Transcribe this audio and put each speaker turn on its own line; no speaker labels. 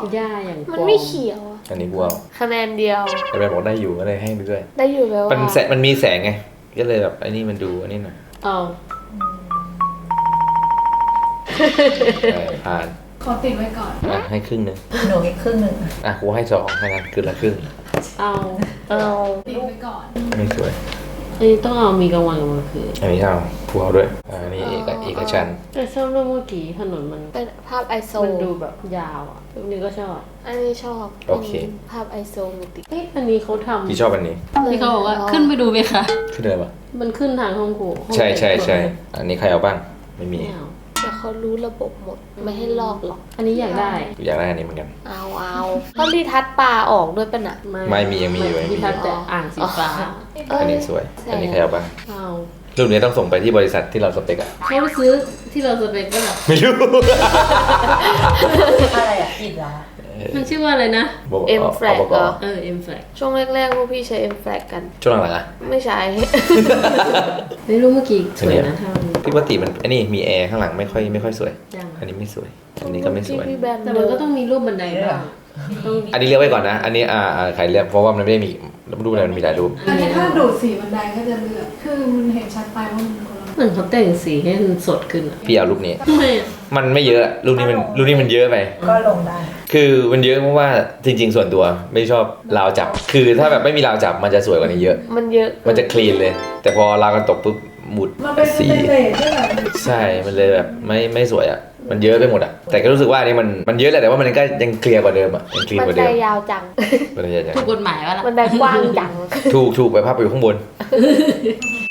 หญ้าอย่างก
มัน
วาง
ไม่เขียวอะ
อันนี้กูเอา
คะแนนเดียว
แต่แม่บอกได้อยู่ก็เลยให้ไปด้วย
ได้อยู่แล้ว
มันแสงมันมีแสงไงก็เลยแบบไอ้นี่มันดูอันนี้หน่อย
เอา
ผ่าน
ขอติดไว้ก่อน
อ่ะให้ครึ่งหนึง
หนูอีกครึ่งหนึ่ง
อ่ะกูให้2แค่นั้นคือละครึ่ง
เอา
เอา
ติดไว้ก่อน
ไม่สวย
อันนี้ต้องเอามีกลางวันกับกลางคืน
อันนี้เอากูเอาด้วยอันนี้เอกชันท์
แต่ชอบรูปเมื่อกี้ถนนมัน
เป็นภาพไอโซ
มันดูแบบยาวอ่ะรูปนี้ก็ชอบ
อันนี้ชอบ
โอเค
ภาพไอโซติ
เอ๊ะอันนี้เขาทำ
พี่ชอบอันนี้
ที่เขาบอกว่าขึ้นไปดูไหมคะ
ขึ้นเลยปะ
มันขึ้นทางห้องครูห้อง
ใช่
แต่ง
ใช่
ตัว
ใช่อันนี้ใครเอาบ้างไม่มี
ไม่เอา
แต่เขารู้ระบบหมดไม่ให้ลอกหรอก
อันนี้อยากได้
กูอยากได้อันนี้เหมือนกัน
เอาก็รีทัชปลาออกด้วยปะน่ะ
ไม่มียังมีอยู่ยังมีอยู่
ที่ทัดแต่อ่างสีฟ้า
อันนี้สวย อันนี้ใครเอาบ้าง
เอา
รูปนี้ต้องส่งไปที่บริษัทที่เราสเปกอะ
เขาไปซื้อที่เราสเปกก็แบบ
ไม่รู้
อะไรอ่ะอิดเหรอ
มันชื่อว่าอะไรนะ
บอก
เอ็มแฟลกเหรอ
M flag
ช่วงแรกๆพวกพี่ใช้ M flag กัน
ช่วงหลังๆอะ
ไม่ใช้
ไม่รู้เมื่อกี้สวยนะถ้ามัน
พี่ว่าติมันอันนี้มีแอร์ข้างหลังไม่ค่อยสวย
จัง
อันนี้ไม่สวย อันนี้ก็ไม่สวย
พี่แบน
แต่มันก็ต้องมีรูปบันไดบ้างต้อง
อันนี้เลือกไว้ก่อนนะ อันนี้ใครเลือกเพราะว่ามันไม่ได้มีรูปอะไรมันมีหลายรูป
อันนี้ถ้าดูดสีบันไดก็จะเลือกคือมันเห็นชัดไปว่ามันคนละ
เหมือนเขาแต่งสีให้มันสดขึ้นอ่ะ
พี่เอารูปนี้
ทำไมอ่ะ
มันไม่เยอะรูปนี้มันเยอะไป
ก็ลงได้
คือมันเยอะเพราะว่าจริง ๆ ส่วนตัวไม่ชอบราวจับ คือถ้าแบบไม่มีราวจับมันจะสวยกว่านี้เยอะ
มันเยอะ
มันจะคลีนเลย แต่พอราวกันตกปุ๊บหมุด
มันเป็น
สี
เลทใช่ไหม
ใช่ มันเลยแบบไม่สวยอ่ะ มันเยอะไปหมดอ่ะ แต่ก็รู้สึกว่าอันนี้มันเยอะแหละแต่ว่ามันก็ยังเคลียร์กว่าเดิมอ่ะยังคลีน
มัน
กว่า
ได
เดิม
ยาวจัง
มันเลยยัง
ถูกกฎหมายวะล่ะ
มันไดกว้างจัง
ถูกไปภาพไปอยู่ข้างบน